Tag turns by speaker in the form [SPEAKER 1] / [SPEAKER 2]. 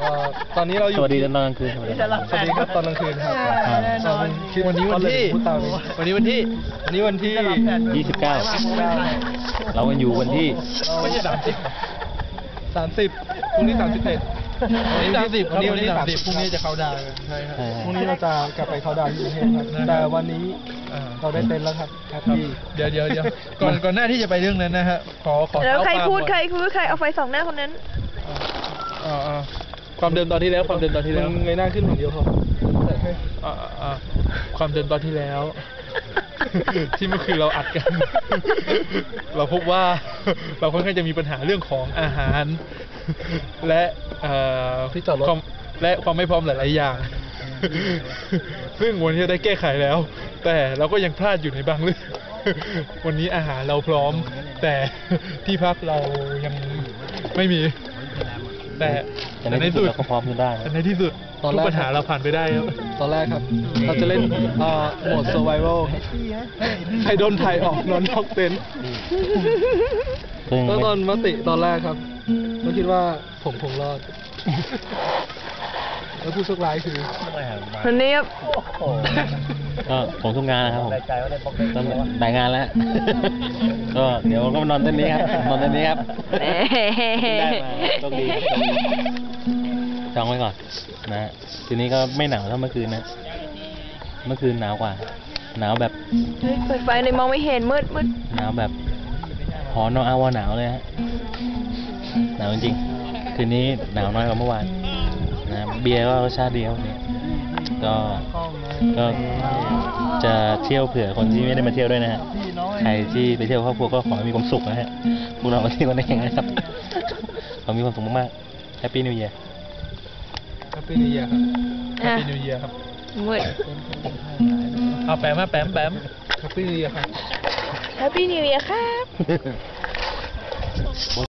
[SPEAKER 1] ตอนนี้เราอยู่
[SPEAKER 2] สวัสดีตอนกลางคืนสวัสดีครับ
[SPEAKER 1] ตอนกลางคืนครับวันนี้วันที่
[SPEAKER 2] 29เรากันอยู่วันที่
[SPEAKER 1] ไม่ใช่30พรุ่งนี้31วันนี้30พรุ่งนี้จะเข้าดาวใช่ครับพรุ่งนี้เราจะกลับไปเข้าดาวที่กรุงเทพครับแต่วันนี้เราได้เต็นท์แล้วครับเดี๋ยวก่อนหน้าที่จะไปเรื่องนั้นนะฮะขอ
[SPEAKER 3] แล้วใครพูดใครเอาไฟส่องหน้าคนนั้น
[SPEAKER 1] ความเดิมตอนที่แล้วเงยหน้าขึ้นอย่างเดียวพอความเดิมตอนที่แล้วที่เมื่อคืนเราอัดกันเราพบว่าเราค่อนข้างจะมีปัญหาเรื่องของอาหารและที่จอดรถและความไม่พร้อมหลายๆอย่างซึ่งวันนี้ได้แก้ไขแล้วแต่เราก็ยังพลาดอยู่ในบางเรื่องวันนี้อาหารเราพร้อมแต่ที่พักเรายังไม่มีแต่ในที่สุด
[SPEAKER 2] เราก็พร้อมขึ้นได้
[SPEAKER 1] ในที่สุดทุกปัญหาเราผ่านไปได้ครับตอนแรกครับเราจะเล่นโหมด survival ใครโดนถ่ายออกนอนนอกเต็นท์ตอนมติตอนแรกครับเราคิดว่าผมคงรอดแล้วผู้โชคร้ายคือ
[SPEAKER 3] คนนี้ครับ
[SPEAKER 2] ก็ผมทุกงานนะครับผมต้องได้งานแล้วก็เดี๋ยวก็มานอนเต้นนี้ครับได้มาโชคดีจองไว้ก่อนนะทีนี้ก็ไม่หนาวเท่าเมื่อคืนนะเมื่อคืนหนาวกว่าหนาวแบบ
[SPEAKER 3] เปิดไฟในมองไม่เห็นมืด
[SPEAKER 2] หนาวแบบหอนอนหนาวเลยฮะหนาวจริงๆคืนนี้หนาวน้อยกว่าเมื่อวานนะเบียร์ก็รสชาติดีครับเนี่ยก็จะเที่ยวเผื่อคนที่ไม่ได้มาเที่ยวด้วยนะฮะใครที่ไปเที่ยวครอบครัวก็ขอให้มีความสุขนะฮะพวกเรามาเที่ยวกันได้ยังไงครับขอมีความสุขมากๆแฮปปี้นิวเยียร์
[SPEAKER 1] แฮปปี้นิวเยียร์ครับแฮปปี้นิวเยียร์ครับ
[SPEAKER 3] มืด
[SPEAKER 1] เอาแปมแฮปปี้นิวเยียร์ครับ
[SPEAKER 3] แฮปปี้นิวเยียร์ครับ